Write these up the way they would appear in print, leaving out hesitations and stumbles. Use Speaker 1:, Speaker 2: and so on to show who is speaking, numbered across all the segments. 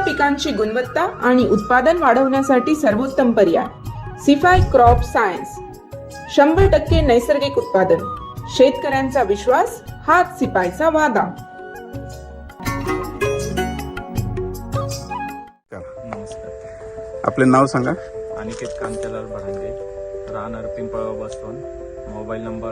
Speaker 1: पिकांची गुणवत्ता आणि उत्पादन वाढवण्यासाठी सर्वोत्तम पर्याय सिफाय क्रॉप सायन्स. 100% नैसर्गिक उत्पादन, शेतकऱ्यांचा विश्वास हाच सिपायचा वादा.
Speaker 2: नमस्कार. आपले नाव सांगा.
Speaker 3: अनिकेत कांचलाल भडांगे, राहणार Pimpalgaon Baswant. Mobile number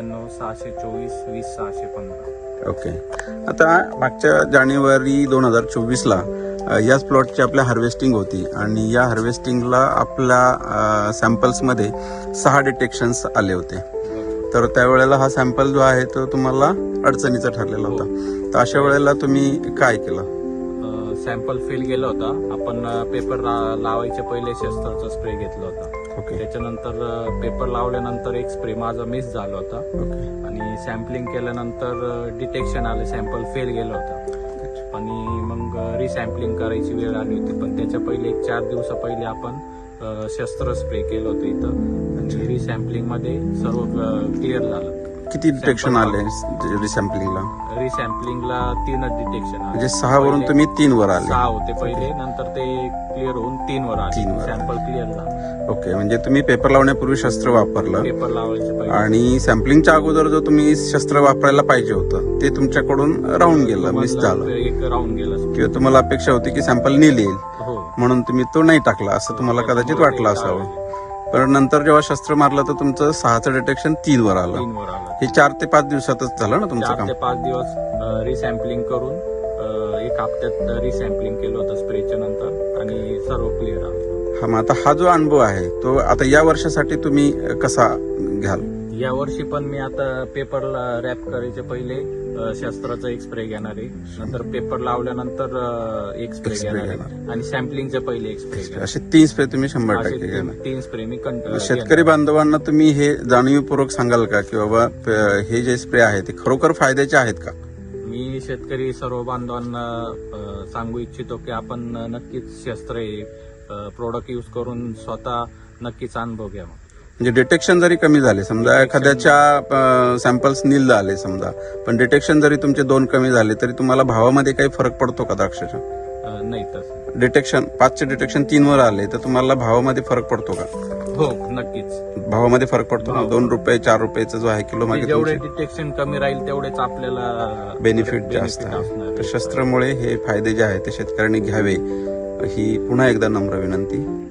Speaker 3: 97 624 20 615.
Speaker 2: Okay. आता मागच्या जानेवारी 2024ला याच प्लॉटची आपल्या हार्वेस्टिंग होती आणि या हार्वेस्टिंगला आपल्या सॅम्पल्समध्ये 6 डिटेक्शन्स आले होते. तर त्यावेळेला हा सॅम्पल जो आहे तो तुम्हाला अडचणीचा ठरलेला होता. तर अशा वेळेला तुम्ही काय केलं?
Speaker 3: सॅम्पल फेल गेला होता. आपण पेपर लावायच्या पहिले शस्त्राचा स्प्रे घेतला होता.
Speaker 2: ओके.
Speaker 3: त्याच्यानंतर पेपर लावल्यानंतर एक स्प्रे माझा मिस झाला होता.
Speaker 2: ओके.
Speaker 3: आणि सॅम्पलिंग केल्यानंतर डिटेक्शन आलं, सॅम्पल फेल गेला होता. आणि मग रिसॅम्पलिंग करायची वेळ आली होती. पण त्याच्या पहिले 4 दिवसा पहिले आपण शस्त्र स्प्रे केलं होतं इथं. आणि रिसॅम्पलिंग मध्ये सर्व क्लिअर झालं.
Speaker 2: किती डिटेक्शन आले रिसॅम्पलिंगला?
Speaker 3: रिसॅम्पलिंगला 3च डिटेक्शन आले.
Speaker 2: म्हणजे 6 वरून तुम्ही 3 वर आले.
Speaker 3: 6 होते पहिले, नंतर ते क्लिअर होऊन 3 वर आले.
Speaker 2: 3 वर
Speaker 3: सॅम्पल क्लिअर झाला.
Speaker 2: ओके. म्हणजे तुम्ही पेपर लावण्यापूर्वी शस्त्र वापरलं
Speaker 3: पेपर लावायचे पहिले.
Speaker 2: आणि सॅम्पलिंगच्या अगोदर जो तुम्ही शस्त्र वापरायला पाहिजे होतं ते तुमच्याकडून राहून गेलं, मिस झालं.
Speaker 3: एक राऊंड गेला.
Speaker 2: किंवा तुम्हाला अपेक्षा होती की सॅम्पल नील येईल
Speaker 3: हो.
Speaker 2: म्हणून तुम्ही तो नाही टाकला, असं तुम्हाला कदाचित वाटलं असावं. पण नंतर जेव्हा शस्त्र मारलं तर तुमचं 6चं डिटेक्शन 3 वर आलं.
Speaker 3: 3 वर आलं.
Speaker 2: हे 4 ते 5 दिवसातच झालं ना तुमचं
Speaker 3: 4
Speaker 2: काम?
Speaker 3: ते 5 दिवस रिसॅम्पलिंग करून 1 हप्त्यात रिसॅम्पलिंग केलं होतं स्प्रेच्या नंतर आणि सर्व क्लिअर आलं.
Speaker 2: हा, मग आता हा जो अनुभव आहे तो आता या वर्षासाठी तुम्ही कसा घ्याल?
Speaker 3: या वर्षी पण मी आता पेपरला रॅप करायचे पहिले शस्त्राचा एक स्प्रे घेणार आहे. नंतर पेपर लावल्यानंतर एक स्प्रे घेणार आहे. आणि सॅम्पलिंगच्या पहिले एक स्प्रे घेणार.
Speaker 2: असे 3 स्प्रे तुम्ही 100% घेणार.
Speaker 3: 3 स्प्रे मी
Speaker 2: शेतकरी बांधवांना तुम्ही हे जाणीवपूर्वक सांगाल का की बाबा हे जे स्प्रे आहे ते खरोखर फायद्याचे आहेत का?
Speaker 3: मी शेतकरी सर्व बांधवांना सांगू इच्छितो की आपण नक्कीच शस्त्र हे प्रोडक्ट यूज करून स्वतः नक्कीच अनुभव घ्यावा.
Speaker 2: म्हणजे डिटेक्शन जरी कमी झाले, समजा एखाद्याच्या सॅम्पल्स नील आले समजा, पण डिटेक्शन जरी तुमचे 2 कमी झाले तरी तुम्हाला भावामध्ये काही फरक पडतो का द्राक्षाच्या?
Speaker 3: नाही तसं.
Speaker 2: डिटेक्शन 5चे डिटेक्शन 3 वर आले तर तुम्हाला भावामध्ये फरक पडतो का?
Speaker 3: हो, नक्कीच
Speaker 2: भावामध्ये फरक पडतो ना. 2 रुपये 4 रुपयाचा जो आहे किलो मागे
Speaker 3: जेवढे डिटेक्शन कमी राहील तेवढेच आपल्याला
Speaker 2: बेनिफिट जास्त आहे. तर शस्त्रामुळे हे फायदे जे आहेत ते शेतकऱ्यांनी घ्यावे ही पुन्हा एकदा नम्र विनंती.